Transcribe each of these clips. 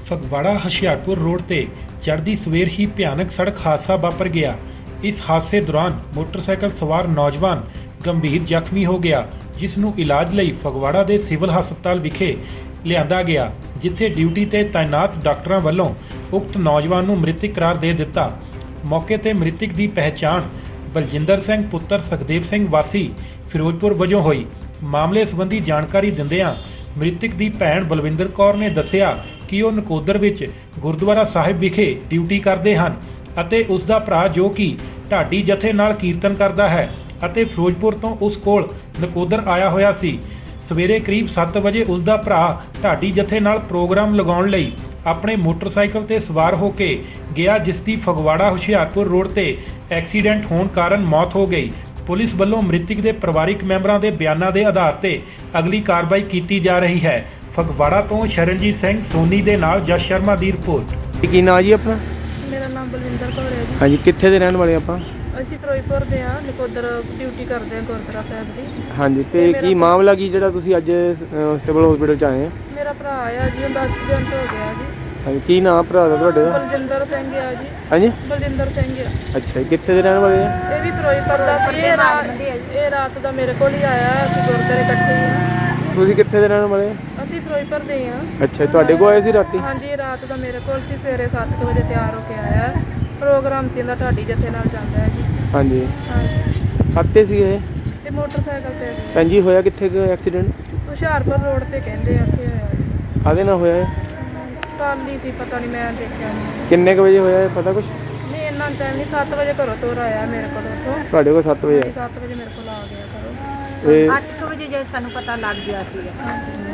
Phagwara Hoshiarpur road ਤੇ ਚੜ੍ਹਦੀ ਸਵੇਰ ਹੀ ਭਿਆਨਕ ਸੜਕ ਹਾਦਸਾ ਵਾਪਰ ਗਿਆ। ਇਸ ਹਾਦਸੇ ਦੌਰਾਨ ਮੋਟਰਸਾਈਕਲ ਸਵਾਰ ਨੌਜਵਾਨ ਗੰਭੀਰ ਜ਼ਖਮੀ ਹੋ ਗਿਆ, ਜਿਸ ਨੂੰ ਇਲਾਜ ਲਈ ਫਗਵਾੜਾ ਦੇ ਸਿਵਲ ਹਸਪਤਾਲ ਵਿਖੇ ਲਿਆਂਦਾ ਗਿਆ, ਜਿੱਥੇ ਡਿਊਟੀ ਤੇ ਤਾਇਨਾਤ ਡਾਕਟਰਾਂ ਵੱਲੋਂ ਉਕਤ ਨੌਜਵਾਨ ਨੂੰ ਮ੍ਰਿਤਕ ਕਰਾਰ ਦੇ ਦਿੱਤਾ। ਮੌਕੇ ਤੇ ਮ੍ਰਿਤਕ ਦੀ ਪਹਿਚਾਣ ਬਲਜਿੰਦਰ ਸਿੰਘ ਪੁੱਤਰ ਸੁਖਦੇਵ ਸਿੰਘ ਵਾਸੀ ਫਿਰੋਜ਼ਪੁਰ ਵਜੋਂ ਹੋਈ। ਮਾਮਲੇ ਸੰਬੰਧੀ ਜਾਣਕਾਰੀ ਦਿੰਦਿਆਂ ਮ੍ਰਿਤਕ ਦੀ ਭੈਣ ਬਲਵਿੰਦਰ ਕੌਰ ਨੇ ਦੱਸਿਆ ਕਿ ਉਹ ਨਕੋਦਰ ਵਿੱਚ ਗੁਰਦੁਆਰਾ ਸਾਹਿਬ ਵਿਖੇ ਡਿਊਟੀ ਕਰਦੇ ਹਨ ਅਤੇ ਉਸ ਦਾ ਭਰਾ ਜੋ ਕਿ ਢਾਡੀ ਜਥੇ ਨਾਲ ਕੀਰਤਨ ਕਰਦਾ ਹੈ ਅਤੇ ਫਿਰੋਜ਼ਪੁਰ ਤੋਂ ਉਸ ਕੋਲ ਨਕੋਦਰ ਆਇਆ ਹੋਇਆ ਸੀ। ਸਵੇਰੇ ਕਰੀਬ 7 ਵਜੇ ਉਸ ਦਾ ਭਰਾ ਢਾਡੀ ਜਥੇ ਨਾਲ ਪ੍ਰੋਗਰਾਮ ਲਗਾਉਣ ਲਈ ਆਪਣੇ ਮੋਟਰਸਾਈਕਲ ਤੇ ਸਵਾਰ ਹੋ ਕੇ ਗਿਆ, ਜਿਸ ਦੀ ਫਗਵਾੜਾ ਹੁਸ਼ਿਆਰਪੁਰ ਰੋਡ ਤੇ ਐਕਸੀਡੈਂਟ ਹੋਣ ਕਾਰਨ ਮੌਤ ਹੋ ਗਈ। ਪੁਲਿਸ ਵੱਲੋਂ ਮ੍ਰਿਤਕ ਦੇ ਪਰਿਵਾਰਕ ਮੈਂਬਰਾਂ ਦੇ ਬਿਆਨਾਂ ਦੇ ਆਧਾਰ ਤੇ ਅਗਲੀ ਕਾਰਵਾਈ ਕੀਤੀ ਜਾ ਰਹੀ ਹੈ। ਫਗਵਾੜਾ ਤੋਂ ਸ਼ਰਨਜੀਤ ਸਿੰਘ ਸੋਨੀ ਦੇ ਨਾਲ ਜਸ ਸ਼ਰਮਾ ਦੀ ਰਿਪੋਰਟ। ਕੀ ਨਾਂ ਜੀ ਆਪਣਾ? ਮੇਰਾ ਨਾਮ ਬਲਵਿੰਦਰ ਕੌਰ ਹੈ ਜੀ। ਹਾਂਜੀ, ਕਿੱਥੇ ਦੇ ਰਹਿਣ ਵਾਲੇ ਆਪਾਂ? ਅਸੀਂ ਫਿਰੋਜ਼ਪੁਰ ਦੇ ਹਾਂ, ਨਕੋਦਰ ਡਿਊਟੀ ਕਰਦੇ ਹਾਂ ਗੁਰਦੁਆਰਾ ਸਾਹਿਬ ਦੀ। ਹਾਂਜੀ, ਤੇ ਕੀ ਮਾਮਲਾ ਕੀ ਜਿਹੜਾ ਤੁਸੀਂ ਅੱਜ ਸਿਵਲ ਹਸਪੀਟਲ ਚ ਆਏ ਆ? ਮੇਰਾ ਭਰਾ ਆ ਜੀ, ਉਹਦਾ ਐਕਸੀਡੈਂਟ ਹੋ ਗਿਆ ਜੀ। ਹਾਂਜੀ, ਕੀ ਨਾਮ ਭਰਾ ਦਾ ਤੁਹਾਡੇ ਦਾ? ਬਲਜਿੰਦਰ ਸਿੰਘ ਆ ਜੀ। ਹਾਂਜੀ, ਬਲਜਿੰਦਰ ਸਿੰਘ ਆ। ਅੱਛਾ ਜੀ, ਕਿੱਥੇ ਦੇ ਰਹਿਣ ਵਾਲੇ ਆ? ਇਹ ਵੀ ਫਿਰੋਜ਼ਪੁਰ ਦਾ ਸੀ। ਇਹ ਰਾਤ ਦਾ ਮੇਰੇ ਕੋਲ ਹੀ ਆਇਆ। ਅਸੀਂ ਗੁਰਦੁਆਰੇ ਇਕੱਠੇ ਹੀ ਹਾਂ। ਤੁਸੀਂ ਕਿੱਥੇ ਦੇ ਰਹਿਣ ਵਾਲੇ ਆ? ਅਸੀਂ ਫਿਰੋਜ਼ਪੁਰ ਦੇ ਹਾਂ। ਅੱਛਾ, ਤੁਹਾਡੇ ਕੋਲ ਆਏ ਸੀ ਰਾਤੀ? ਹਾਂਜੀ, ਰਾਤ ਦਾ ਮੇਰੇ ਕੋਲ ਸੀ। ਸਵੇਰੇ 7 ਵਜੇ ਤਿਆਰ ਹੋ ਕੇ ਆਇਆ। ਪ੍ਰੋਗਰਾਮ ਸੀ ਇਹਦਾ, ਢਾਡੀ ਜਥੇ ਨਾਲ ਜਾਂਦਾ ਹੈ ਜੀ। ਹਾਂਜੀ, ਹਾਂਜੀ। ਆਤੇ ਸੀ ਇਹ? ਤੇ ਮੋਟਰਸਾਈਕਲ ਤੇ ਜੀ। ਭੈਣ ਜੀ, ਹੋਇਆ ਕਿੱਥੇ ਐਕਸੀਡੈਂਟ? ਹੁਸ਼ਿਆਰਪੁਰ ਰੋਡ ਤੇ ਕਹਿੰਦੇ ਆ, ਉੱਥੇ ਹੋਇਆ ਜੀ। ਕਾਹਦੇ ਨਾਲ ਹੋਇਆ ਇਹ? ਟਰਾਲੀ ਸੀ, ਪਤਾ ਨਹੀਂ, ਮੈਂ ਦੇਖਿਆ ਨਹੀਂ। ਕਿੰਨੇ ਕੁ ਵਜੇ ਹੋਇਆ ਇਹ, ਪਤਾ ਕੁਛ? ਨਹੀਂ, ਇੰਨਾ ਟਾਈਮ ਨਹੀਂ। 7 ਵਜੇ ਘਰੋਂ ਤੋਰ ਆਇਆ ਮੇਰੇ ਕੋਲ ਉੱਥੋਂ। ਤੁਹਾਡੇ ਕੋਲ 7 ਵਜੇ ਆਇਆ? 7 ਵਜੇ ਮੇਰੇ ਕੋਲ ਆ ਗਿਆ ਘਰੋਂ। ਇਹ 8 ਵਜੇ ਜੇ ਸਾਨੂੰ ਪਤਾ ਲੱਗ ਗਿਆ ਸੀਗਾ।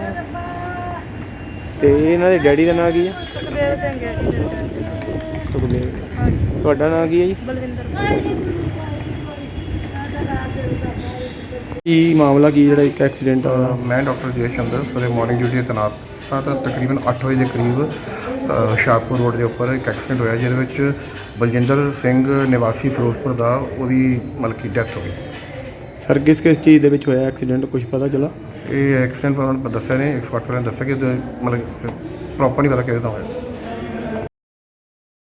ਤੇ ਇਹਨਾਂ ਦੇ ਡੈਡੀ ਦਾ ਨਾਂ ਕੀ ਹੈ? ਸੁਖਦੇਵ ਸਿੰਘ ਹੈ ਜੀ ਮੇਰੇ ਡੈਡੀ ਦਾ। ਸੁਖਦੇਵ। ਹਾਂਜੀ, ਤੁਹਾਡਾ ਨਾਂ ਕੀ ਹੈ ਜੀ? ਬਲਵਿੰਦਰ ਕੌਰ। ਕੀ ਮਾਮਲਾ ਕੀ ਜਿਹੜਾ ਇੱਕ ਐਕਸੀਡੈਂਟ ਹੋਇਆ? ਮੈਂ ਡਾਕਟਰ ਜੈ ਚੰਦਰ ਸਵੇਰੇ ਮਾਰਨਿੰਗ ਡਿਊਟੀ 'ਤੇ ਤੈਨਾਤ ਹਾਂ। ਤਾਂ ਤਕਰੀਬਨ 8 ਵਜੇ ਦੇ ਕਰੀਬ ਹੁਸ਼ਿਆਰਪੁਰ ਰੋਡ ਦੇ ਉੱਪਰ ਇੱਕ ਐਕਸੀਡੈਂਟ ਹੋਇਆ, ਜਿਹਦੇ ਵਿੱਚ ਬਲਜਿੰਦਰ ਸਿੰਘ ਨਿਵਾਸੀ ਫਿਰੋਜ਼ਪੁਰ ਦਾ ਉਹਦੀ ਮਤਲਬ ਕਿ ਡੈਥ ਹੋ ਗਈ। ਸਰ, ਕਿਸ ਚੀਜ਼ ਦੇ ਵਿੱਚ ਹੋਇਆ ਐਕਸੀਡੈਂਟ, ਕੁਝ ਪਤਾ ਚੱਲਾ? ਇਹ ਐਕਸੀਡੈਂਟ ਉਹਨਾਂ ਨੇ ਦੱਸਿਆ ਨੇ, 108 ਵਾਲਿਆਂ ਨੇ ਦੱਸਿਆ ਕਿ ਮਤਲਬ ਪ੍ਰੋਪਰ ਨਹੀਂ ਪਤਾ ਕਿਹਦੇ ਨਾਲ ਹੋਇਆ।